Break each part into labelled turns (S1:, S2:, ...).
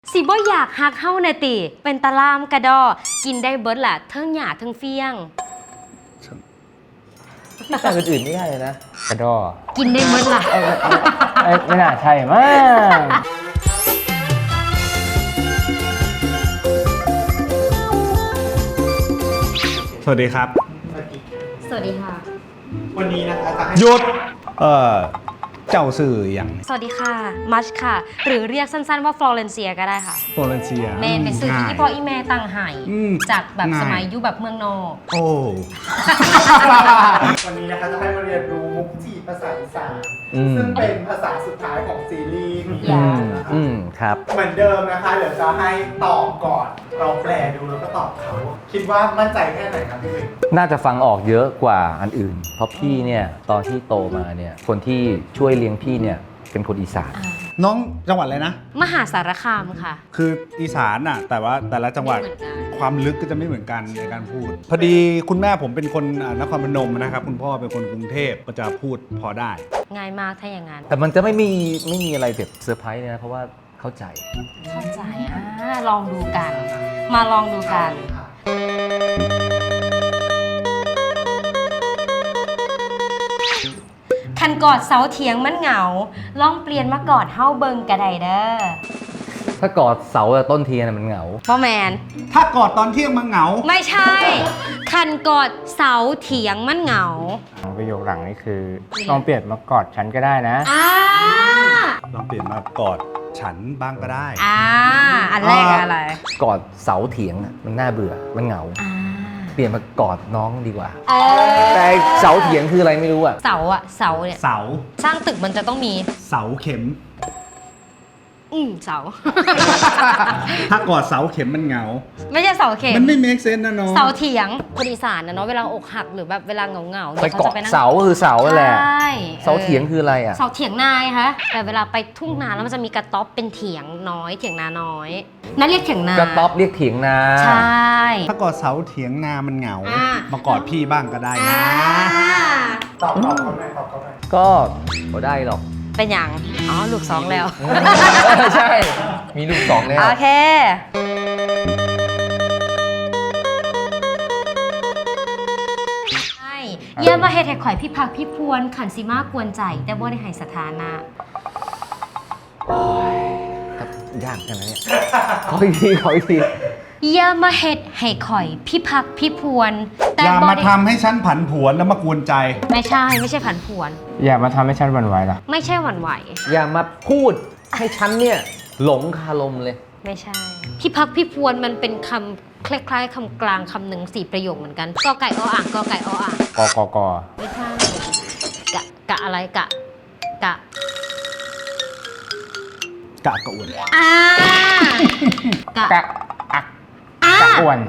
S1: สิบ่อยากฮักเฮาน่ะติเป็นตะลามกระดอกินได้เบิดล่ะเทิงหญ้าเทิงเฟี้ยง
S2: แต่อื่นๆไม่ได้เลยนะกระดอ
S1: กินได้เบิดล่ะ
S2: ไม่น่าใช่มั้ง
S3: สวัสดีครับ
S1: สวัสดีค่ะ
S3: วันนี้นะคะจะให้หยุดเจ้าสื่ออย่าง
S1: สวัสดีค่ะมัชค่ะหรือเรียกสั้นๆว่าฟลอเรนเซียก็ได้ค่ะ
S3: โฟลเรนเซีย
S1: แม่เป็นซื้อที่พ่ออีแม่ตั้งให้จากแบบสมัยยุคแบบเมืองนอก
S3: โอ้
S4: วันนี้นะคะจะให้มาเรียนรู้มุกจีภาษาอีสานซึ่งเป็นภาษาสุดท้ายของซีรีส์
S2: ครับ
S4: เหมือนเดิมนะคะเดี๋ยวจะให้ตอบก่อนเราแปลดูแล้วก็ตอบเขาคิดว่ามั่นใจแค่ไหนครับพี่วิน
S2: น่าจะฟังออกเยอะกว่าอันอื่นเพราะพี่เนี่ยตอนที่โตมาเนี่ยคนที่ช่วยเลี้ยงพี่เนี่ยเป็นคนอีสาน
S3: น้องจังหวัดอะไรนะ
S1: มหาสารคามค่ะ
S3: คืออีสานน่ะแต่ว่าแต่ละจังหวัดความลึกก็จะไม่เหมือนกันในการพูดพอดีคุณแม่ผมเป็นคนนครพนมนะครับคุณพ่อเป็นคนกรุงเทพก็จะพูดพอได้
S1: ง่ายมากถ้าอย่างนั้น
S2: แต่มันจะไม่มีอะไรแบบเซอร์ไพรส์นะเพราะว่าเข้าใจ
S1: ลองดูกันมาลองดูกันคันกอดเสาเถียงมันเหงาลองเปลี่ยนมากอดเฮาเบิงกระไดเด้อ
S2: ถ้ากอดเสาต้นเทียนมันเหงา
S1: พ่อแมน
S3: ถ้ากอดตอนเที่ยงมันเหงา
S1: ไม่ใช่คันกอดเสาเถียงมันเหงา
S2: ประโยคหลังนี่คือลองเปลี่ยนมากอดฉันก็ได้นะ
S3: ลองเปลี่ยนมากอดฉันบ้างก็ได้
S1: อันแรกอะไร
S2: กอดเสาเถียงมันน่าเบื่อมันเหงาเปลี่ยนมากอดน้องดีกว่าแต่เสาเถียงคืออะไรไม่รู้อะ
S1: เสาเนี่ย
S3: เสา
S1: สร้างตึกมันจะต้องมี
S3: เสาเข็ม
S1: เสา
S3: ถ้ากอดเสาเข็มมันเหงา
S1: ไม่ใช่เสาเข็ม
S3: มันไม่ make sense นะน้อง
S1: เสาเถียงคนอีสานนะเนาะเวลาอกหักหรือแบบเวลาเหงา
S2: ไปเกาะเสาคือเสาแหละเสาเถียงคืออะไรอะ
S1: เสาเถียงนายคะแต่เวลาไปทุ่งนาแล้วมันจะมีกระต๊อบเป็นเถียงน้อยเถียงนาน้อยนั่นเรียกเถียงนาก
S2: ระต๊อบเรียกเถียงนา
S1: ใช่
S3: ถ้ากอดเสาเถียงนามันเหงามากอดพี่บ้างก็ได้นะ
S4: ตอบเขาไหม
S2: ก็ไม่ได้หรอก
S1: เป็นอย่างลูก2แล้ว
S2: ใช่มีลูก2แล้ว
S1: โอเคเยี่ยมมาเฮ็ดให้ข่อยพี่พักพี่พวนขันซิมากกวนใจแต่บ่ได้ให้สถานะ
S2: ยากจังนะเนี่ยขออีกที
S1: อย่ามาเฮ็ดให้ข่อยพี่พักพี่พวน
S3: อย่ามาทำให้ฉันผันผวนแล้วมากวนใจ
S1: ไม่ใช่ผันผวน
S2: อย่ามาทำให้ฉันหวั่นไหวล่ะ
S1: ไม่ใช่หวั่นไหว
S2: อย่ามาพูดให้ฉันเนี่ยหลงคาลมเลย
S1: ไม่ใช่พี่พักพี่พวนมันเป็นคำคล้ายๆคำกลางคำหนึ่ง4ประโยคเหมือนกันกอไก่ออ่างกอไก่ออ่าง
S2: ก
S1: ไม่ใช่กะอะไรกะ
S3: กะอ้วน
S2: กะอ้วน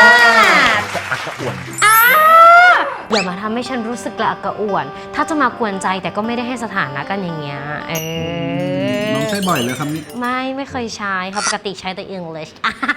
S1: อย่ามาทำให้ฉันรู้สึกกระอักกระอ่วนถ้าจะมากวนใจแต่ก็ไม่ได้ให้สถานะกันอย่างเงี้ย
S3: น้องใช้บ่อยเลยคำนี้
S1: ไม่เคยใช้เขาปกติใช้แต่ English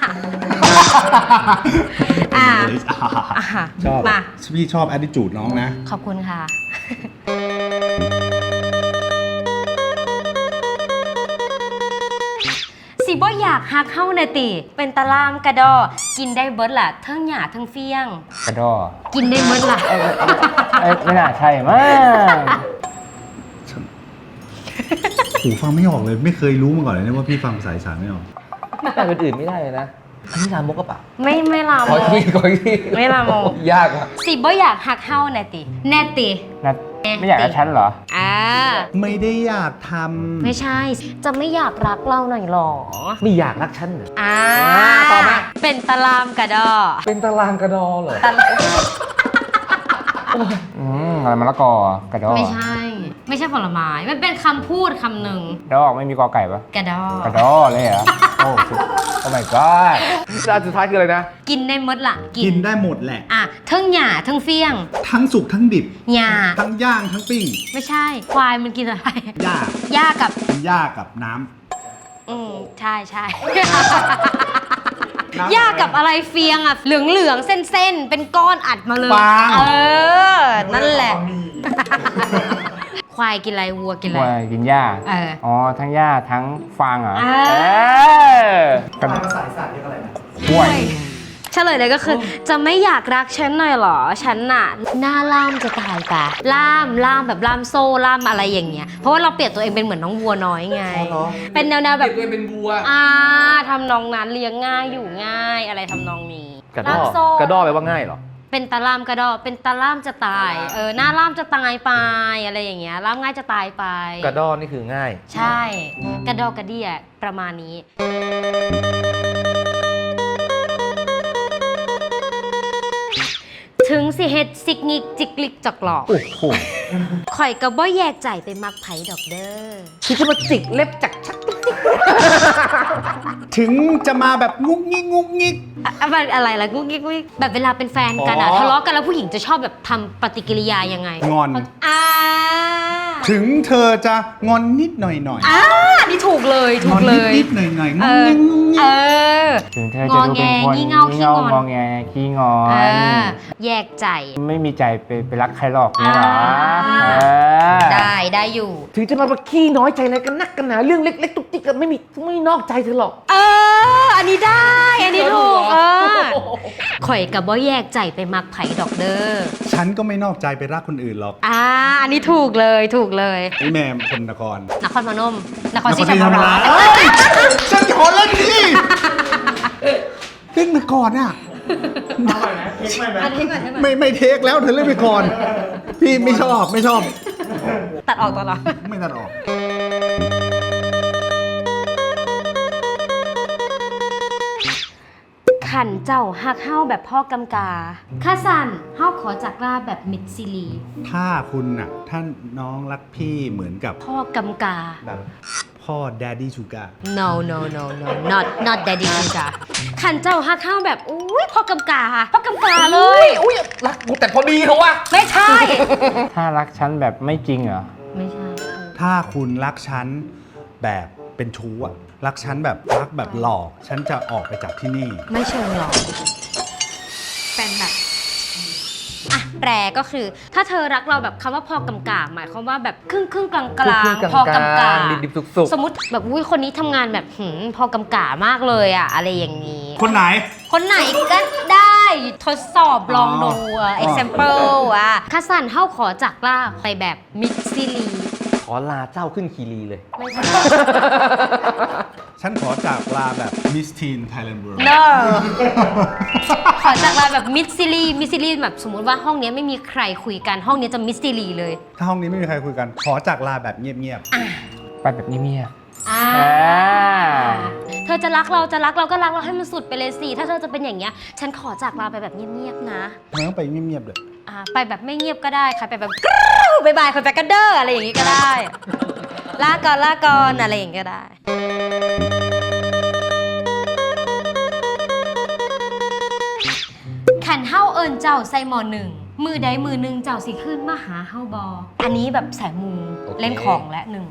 S3: ชอบพี่ชอบ attitude น้องนะ
S1: ขอบคุณค่ะสิบ่อยากฮักเฮาน่ะติเป็นตะลามกระดอกินได้เบิดล่ะเทิงหญ้าเทิงเฟี้ยง
S2: กระดอ
S1: กินได้เบิดล่ะ
S2: ไม่น่าใช่มั้ง
S3: หูฟังไม่ออกเลยไม่เคยรู้มาก่อนเลยนะว่าพี่ฟังภาษาอีสานไม่ออก
S2: แต่อื่นไม่ได้เลยนะอันนี้ลามกกระเป๋า
S1: ไม่ลามก
S2: ขอที่
S1: ไม่ลามก
S2: ยากว่ะ
S1: สิบ่อยากฮักเฮาน่ะติแน่ติ
S2: ไม่อยากกับฉันเหรอ
S3: ไม่ได้อยากท
S1: ำไม่ใช่จะไม่อยากรักเราหน่อยหรอ
S2: ไม่อยากรักฉันเหรอ
S1: ต่อมาเป็นตะลามกระดอ
S2: เป็นตะลามกระดอเหรออะไรมะละกอกระดอ
S1: ไม่ใช่ผลไม้มันเป็นคำพูดคำหนึ่ง
S2: ดอกไม่มีกอไก่ปะ
S1: กระด
S2: เลยเหรอโอ้ my god ร้านสุดท้ายคืออะไรนะ
S1: กินได้หมดล่ะ
S3: กินได้หมดแหละ
S1: ทั้งหญ้าทั้งเฟี้ยง
S3: ทั้งสุกทั้งดิบ
S1: หญ้า
S3: ทั้งย่างทั้งปิ้ง
S1: ไม่ใช่ควายมันกินอะไรหญ้า
S3: กับน้
S1: ำใช่หญ้ากับอะไรเฟียงเหลืองเส้นเป็นก้อนอัดมาเลยนั่นแหละคควายกินอะไรวัวกินอะไร
S5: วัวกินหญ้า อ๋อ ทั้งหญ้าทั้งฟางเหรอ
S4: ภาษาอีสานเรียกอะไรนะ
S5: กล้วย
S1: เฉลยเลยก็คือ จะไม่อยากรักฉันหน่อยเหรอ ฉันน่ะหน้าล่ามจะตายปะล่ามแบบล่ามโซ่ล่ามอะไรอย่างเงี้ย เพราะว่าเราเปรียบตัวเองเป็นเหมือนน้องวัวน้อยไง เป็นแนวๆแบบ
S2: เปลี่ยนตัวเองเป็นวัว
S1: ทำนองนั้นเลี้ยงง่ายอยู่ง่ายอะไรทำนองนี้
S2: กระด
S1: ล่า
S2: อ
S1: มโซ่
S2: กระดอแปลว่าง่ายเหรอ
S1: เป็นตาล่ามกระดอเป็นตาล่ามจะตาย หน้าล่ามจะตายไปอะไรอย่างเงี้ยล่ามง่ายจะตายไป
S2: กระดอนี่คือง่าย
S1: ใช่ กระดอกกระเดี่ยประมาณนี้ ถึงสิเฮ็ดซิกงิกจิกลิกจอกหลอก
S2: โอ้โห
S1: ข่อยก็บ่แยกใจไปมักไผดอกเด้อ
S2: คิดจะมาจิกเล็บจากชัก
S3: ถึงจะมาแบบงุกงิกงุกงิก
S1: อะไรล่ะกุ๊กกิ๊กกุ๊กกิ๊กแบบเวลาเป็นแฟนกันอะทะเลาะกันแล้วผู้หญิงจะชอบแบบทำปฏิกิริยายังไง
S3: งอน ถึงเธอจะงอนนิดหน่อยหน่อย
S1: นี่ถูกเลย
S3: ง
S1: ถู
S3: อก น
S1: เล
S3: นิด
S1: ย
S3: นิดหน่อยหน่อยง
S1: เอ
S3: อน
S1: อ
S3: งิกงุกงิ
S1: เอก อ
S5: ถึงเธอจะดูเป็นคน
S1: งอแงงี่เง่าขี้งอน
S5: งอแงขี้งอ
S1: เอน อ แยกใจ
S5: ไม่มีใจไปรักใครหรอกนี่หรอ
S1: ได้อยู่
S2: ถึงจะมาขี้น้อยใจอะไรกันนักกันหนาเรื่องเล็กๆตุกติกกันไม่นอกใจเธอหรอก
S1: อันนี้ได้ อันนี้ถูกข่อยกับบ่แยกใจไปมักไผดอกเด้อ
S3: ฉันก็ไม่นอกใจไปรักคนอื่นหรอก
S1: อันนี้ถูกเลยถูกเลย
S3: ไอ้แม่คนนคร
S1: นครพนมนครศรีธรรมราช
S3: ฉันขอเล่นดิเล่นไปก่อนอ่ะ
S4: เอาใหม่ไหมเทคใหม่ไหม
S1: อันนี้ก่อนใช่ไหม
S3: ไม่เทคแล้วเธอเล่นไปก่อน พี่ไม่ชอบ
S1: ตัดออกตลอด
S3: ไม่ตัดออก
S1: ขันเจ้าฮักเฮ้าแบบพ่อกำกาข้าสันเฮ้าขอจากลาแบบมิดซิลี
S3: ถ้าคุณน่ะท่านน้องรักพี่เหมือนกับ
S1: พ่อกำกา
S3: แบบพ่อ Daddy Sugar
S1: no not daddy จ้ะขันเจ้าฮักเฮ้าแบบอุ้ยพ่อกำกาเลย
S2: อุ้ยรักกูแต่พอดีเขาวะ
S1: ไม่ใช่
S5: ถ้ารักฉันแบบไม่จริงเหรอ
S1: ไม่ใช่
S3: ถ้าคุณรักฉันแบบเป็นชู้อะรักฉันแบบรักแบบหลอก ฉันจะออกไปจากที่นี่
S1: ไม่เชิงหรอกเป็นแบบแปลก็คือ ถ้าเธอรักเราแบบคำว่าพอกำกาหมายความว่าแบบครึ่งกลางพอกำกา
S2: ดิบๆสุก
S1: สมมติแบบอุ้ยคนนี้ทำงานแบบพอกำกามากเลยอะอะไรอย่างนี้
S3: คนไหน
S1: คนไหนก็ได้ทดสอบลองดู example ข้าสันเฮ้าขอจากล่าไปแบบมิดซิลี
S2: ๆขอลาเจ้าขึ้นคีรีเลย
S1: ไม่ใช่
S3: ฉันขอจากลาแบบ Miss Teen Thailand World
S1: no ขอจากลาแบบมิดซิลีแบบสมมุติว่าห้องนี้ไม่มีใครคุยกันห้องนี้จะมิดซิลีเลย
S3: ถ้าห้องนี้ไม่มีใครคุยกัน ขอจากลาแบบเงียบ
S5: ไปแบบเงียบ
S1: เธอจะรักเราก็รักเราให้มันสุดไปเลยสิถ้าเธอจะเป็นอย่างเงี้ยฉันขอจากลาไปแบบเงียบๆนะ
S3: ๆมันต้องไปเงียบๆเลย
S1: ไปแบบไม่เงียบก็ได้ค่ะไปแบบกรู๊บายบายคนไปกันเด้ออะไรอย่างงี้ก็ได้ ลาก่อนอะไรอย่างงี้ก็ได้ ขันเฮ้าเอิญเจ้าใส่หมอหนึ่งมือใดมือหนึ่งเจ้าสิขึ้นมาหาเฮ้าบออันนี้แบบสายมู
S2: โอเค
S1: เล่นของและหนึ่ง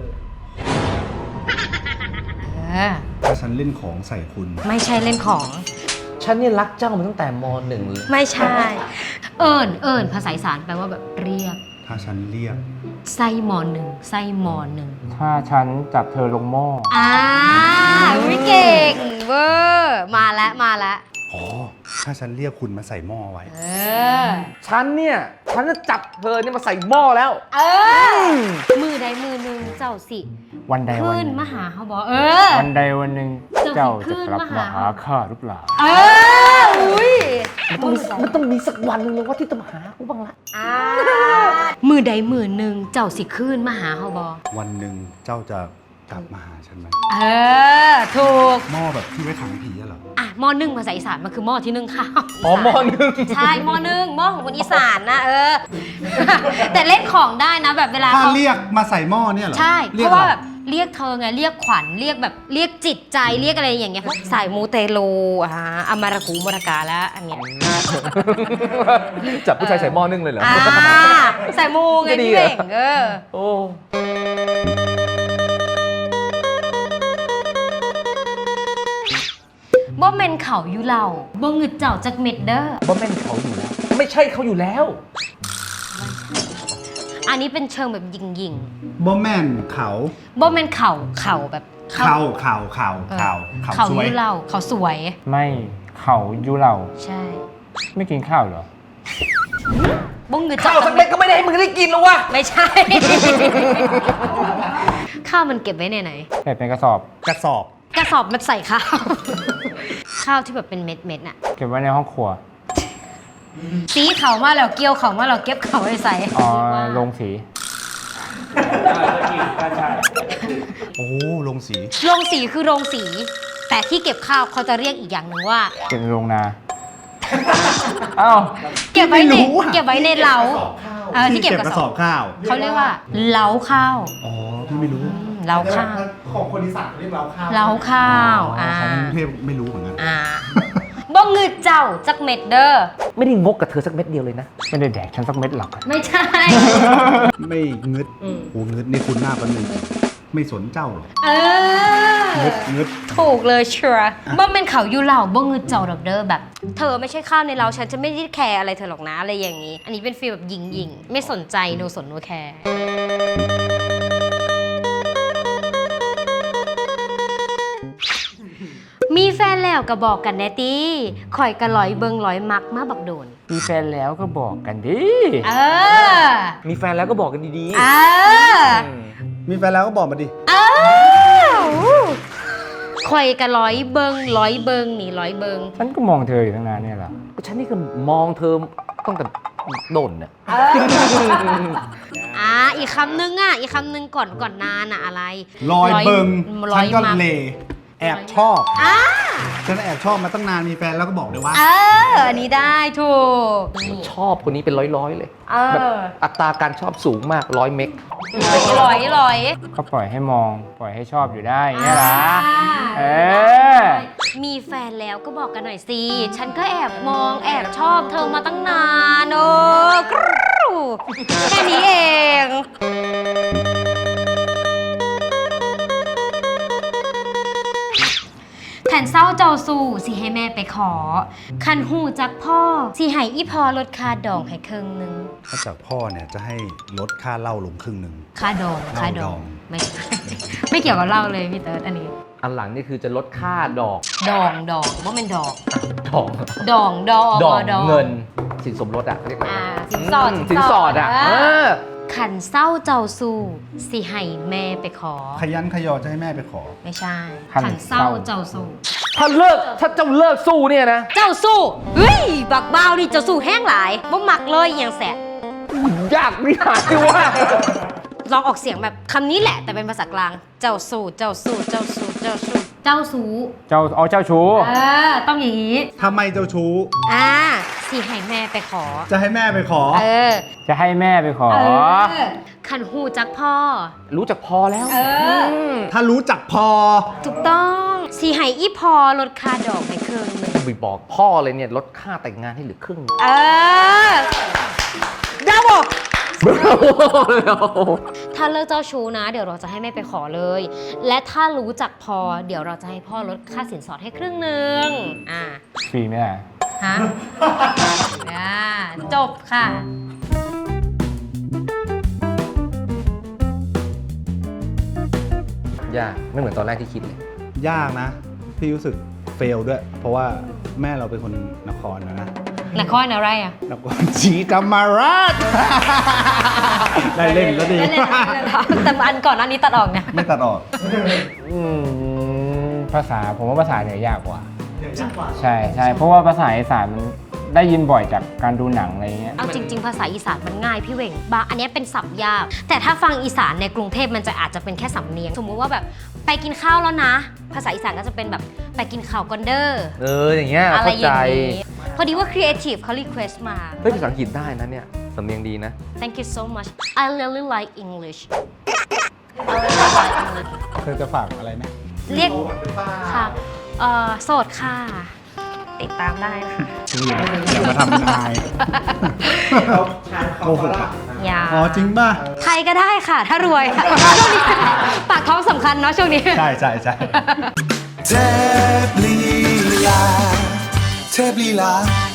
S3: ถ้าฉันเล่นของใส่คุณ
S1: ไม่ใช่เล่นของ
S2: ฉันเนี่ยรักเจ้ามาตั้งแต่ม .1 เลย
S1: ไม่ใช่ เอิญภาษาอีสานแปลว่าแบบเรียก
S3: ถ้าฉันเรียก
S1: ไส้หมอหนึ่งไส้หมอหนึ่ง
S5: ๆ ถ้าฉันจับเธอลงหม้อ
S1: วิเก่งเวอร์มาแล้ว
S3: อ๋อ ถ้าฉันเรียกคุณมาใส่หม้อไว้
S2: ฉันจะจับเธอเนี่ยมาใส่หม้อแล้ว
S1: มือใดมือหนึ่งเจ้าสิ
S5: วันใดวัน
S1: ขึ้น
S5: หนึ่ง
S1: มาหาเขาบอก
S5: วันใดวันหนึ่ง
S1: เจ้า
S5: เจ้า
S1: สิขึ้
S5: จะ
S1: น
S5: กลับ
S1: มา
S5: มา
S1: หา
S5: หาข้าหรือเปล่า
S1: อุ้ย
S2: มันต้องมีสักวันหนึงเลยว่าที่จะมาหากูบ้างละ
S1: มือใดมือหนึ่งเจ้าสิขึ้นมาหาเขาบอก
S3: วันหนึ่งเจ้าจะกลับมาหาฉันไหม
S1: ถูก
S3: หม้อแบบที่ไว้ขังผีอะเหรอ
S1: หม้อนึ่งภาษาอีสานมันคือหม้อที่นึ่งข้าว
S2: อ๋อม .1
S1: ใช่หม้อนึ่งหม้อของคนอีสานนะแต่เล่นของได้นะแบบเวลา
S3: ถ้า
S1: เขา
S3: เรียกมาใส่หม้อเนี่ยเหรอ
S1: ใช่
S3: รี
S1: เพ
S3: ยก
S1: ราะว่า
S3: อไ
S1: แบบเรียกเธอไงเรียกขวัญเรียกแบบเรียกจิตใจเรียกอะไรอย่างเงี้ยพวกสายมูเตโลอามารากูมรากาแล้วอันเนี้ย
S2: จับผู้ชายใส่หม้อนึ่งเลยเหรอ
S1: สายมูไง
S2: จะดี
S1: พี่
S2: เหรอ
S1: เบ่ง
S2: โอ้
S1: บ่เมนเขาอยู่เหล่าบ่งึดเจ้าจากเม็ดเด้อ
S2: บ่แม่นเขาอยู่แล้ว ไม่ใช่เขาอยู่แล้ว
S1: อันนี้เป็นเชิงแบบยิง
S3: บอแมนเขา
S1: บ่แม่นเข่าแบบ
S3: เขา
S1: เข่า
S3: สวย
S1: ยุเราเขาสวย
S5: ไม่เขายุเรา
S1: ใช่
S5: ไม่กินข้าวเหรอ
S1: บ้งเงิน
S2: ข้าวสักเม็ดก็ไม่ได้ให้มึงได้กินแล้ววะ
S1: ไม่ใช่ ข้าวมันเก็บไว้ในไหน
S5: เก็บเป็นกระสอบ
S3: กระสอบ
S1: กระสอบมันใส่ข้าว ข้าวที่แบบเป็นเม็ดน่ะ
S5: เก็บไว้ในห้องครัว
S1: สีเขามาแล้วเกี่ยวเขามาแล้วเก็บเขาไว้ใส่
S5: อ๋อลงสี
S3: โอ้ลงสี
S1: โรงสีคือโรงสี แต่ที่เก็บข้าวเขาจะเรียกอีกอย่างหนึ่งว่า
S5: เก็บในโรงนา อ้าว
S1: เก็บไว้ใน
S3: ไม่รู้อะ
S1: เก็บไว้ในเล้าที่เก็บกระสอบ
S3: ข้าว
S1: เขาเรียกว่าเล้าข้าว
S3: อ๋อพี่ไม่รู้
S1: เล้าข้าว
S4: ของคนอีสานเขาเรียกเล้าข้าว
S1: เล้าข้าว
S3: ของกรุงเทพไม่รู้เหมือนกัน
S1: บ้องเงินเจ้าจักเม็ดเด้อ
S2: ไม่ได้งกกับเธอสักเม็ดเดียวเลยนะ
S5: ไม่ได้แดกฉันสักเม็ดหรอก
S1: ไม่ใช่
S3: ไม่งึด
S1: อืม
S3: โอ้งึดนี่คุณหน้าปันหนึ่งไม่สนเจ้าหรอก
S1: เออ
S3: งึด
S1: ถูกเลยชัวร์บ้องเป็นเขาอยู่เหล่าบ้องเงินเจ้าดอกเด้อแบบ เธอไม่ใช่ข้าวในเราฉันจะไม่ได้แคร์อะไรเธอหรอกนะอะไรอย่างนี้ อันนี้เป็นฟีลแบบยิงไม่สนใจโนสนโนแคร์มีแฟนแล้วก็บอกกันแน่ตีข่อยกะลอยเบิงลอยมักมาบักโดน
S5: มีแฟนแล้วก็บอกกันดิ
S1: เออ
S2: มีแฟนแล้วก็บอกกันดี
S1: เออ
S3: มีแฟนแล้วก็บอกมาดิ
S1: เออข่อยกะลอยเบิงนี่ร้อยเบิง
S5: ฉันก็มองเธออยู่ตั้งนานเนี่ยเหรอ
S2: ๆก็ฉันนี่ก็มองเธอตั้งแต่โดนเนี่ย
S1: อีกคำนึงก่อนนานอะอะไร
S3: รอยเบิง
S1: ร้
S3: ฉั
S1: อน ย
S3: ก็
S1: มัก
S3: เลแอบชอบ
S1: อ่า
S3: ฉันแอบชอบมาตั้งนานมีแฟนแล้วก็บอกเลยว่า
S1: อันนี้ได้ถูก
S2: ชอบคนนี้เป็นร้อยๆเลย
S1: เอ
S2: แบบ
S1: อ
S2: อัตราการชอบสูงมาก100 เมก
S1: ร้อย
S5: ก็ปล่อยให้มองปล่อยให้ชอบอยู่ได้อย่างเงี้ยล่ะเออ
S1: มีแฟนแล้วก็บอกกันหน่อยสิ ฉันก็แอบมองแอบชอบเธอมาตั้งนานโอ้กรู๊แค่นี้เอง ขันเศร้าเจ้าสู่สิให้แม่ไปขอ ขันหูจักพ่อสิให้อีพอลดค่าดองให้ครึ่งหนึง
S3: ถ้าจากพ่อเนี่ยจะให้ลดค่าเหล้าลงครึ่งหนึ่ง
S1: ค่าดอง
S3: เหล้าดอง
S1: ไม่ใช่ ไม่เกี่ยวกับเหล้าเลยพี่เติร์ดอันนี้
S2: อันหลังนี่คือจะลดค่าดอก
S1: ดองว่าเป็นดอก
S2: ดอก
S1: ดอง
S2: ดอก
S1: ดอง
S2: เงินสินสมรสอะเรียกอะไร
S1: สินสอด
S2: สินสอดอะ
S1: ขันเศร้าเจ้าสู่สิให้แม่ไปขอ
S3: ขยันขยอจะให้แม่ไปขอ
S1: ไม่ใช่
S5: ขัน
S1: ขันเศร้าเจ้าสู่
S2: ถ้าเจ้าเลิกสู้เนี่ยนะ
S1: เจ้าสู้เฮ้ยบักเบาดิเจ้าสู้แห้งหลายบ่มักเลยอหย่างแสบ
S2: ยากไม่หายว่า
S1: ลองออกเสียงแบบคำนี้แหละแต่เป็นภาษากลาง เจ้าสู้เจ้าสู้เจ้าสู้เจ้าสู้เจ้าสู้
S5: เจ้าชู้
S1: ต้องอย่างนี้
S3: ทำไมเจ้าชู้
S1: สิให้แม่ไปขอ
S3: จะให้แม่ไปขอ
S5: จะให้แม่ไปขอ
S1: ขันหูจักพ่อ
S2: รู้จักพอแล้ว ม
S3: ถ้ารู้จักพอ
S1: ถูกต้องสิให้อีพอลดค่าดอกให้ครึ่งหนึง
S2: จะไปบอกพ่อเลยเนี่ยลดค่าแต่งงานให้เหลือครึ่ง
S1: ดาวบอกถ้าเลิกเจ้าชู้นะ เดี๋ยวเราจะให้แม่ไปขอเลย และถ้ารู้จักพอ เดี๋ยวเราจะให้พ่อลดค่าสินสอดให้ครึ่งหนึง
S5: ฟรีไหมล่ะ
S1: ฮะ จบค่ะ
S2: ยากไม่เหมือนตอนแรกที่คิดเลย
S3: ยากนะ พี่รู้สึกเฟลด้วย เพราะว่าแม่เราเป็นคนนครนะ
S1: นครอะไรอ่ะ
S3: นครศรีธรรมราช ได้เล่นก็ดี
S1: แต่อันก่อนอันนี้ตัดออกเนี่ย
S3: ไม่ตัดออก
S5: ภาษาผมว่าภาษาเหนือยากกว่า
S4: เดี๋ยวยากกว่า
S5: ใช่เพราะว่าภาษาอีสานมันได้ยินบ่อยจากการดูหนังอะไรเงี้ย
S1: เอาจริง ๆ ภาษาอีสานมันง่ายพี่เหว่งบางอันเนี้ยเป็นศัพท์ยาก แต่ถ้าฟังอีสานในกรุงเทพมันจะอาจจะเป็นแค่สำเนียง สมมุติว่าแบบไปกินข้าวแล้วนะ ภาษาอีสานก็จะเป็นแบบไปกินข้าวกันเด้อ
S2: อย่างเงี้ย
S1: อะไร
S2: เข้า
S1: อ
S2: ใจ
S1: ย่างนี้พอดีว่า Creative เขา request มา
S2: เฮ้ยภาษาอังกฤษได้นะเนี่ยสำเนียงดีนะ
S1: Thank you so much I really like English
S3: เธอจะฝากอะไรไหม
S1: เรียก
S4: โสดหรือเปล่า
S1: ค่ะโสดค่ะ ติดตามได้นะคะ
S3: อย่ามาทำเป็นอาย
S4: เขาชายเขาฝรั่งนะ
S1: อย่า
S3: อ๋อจริงป่ะ
S1: ใครก็ได้ค่ะ ถ้ารวยค่ะช่วงนี้ปากท้องสำคัญเนาะช่วงนี้
S3: ใช่ใช่ใช่
S6: เทพลีลาเทพลีลา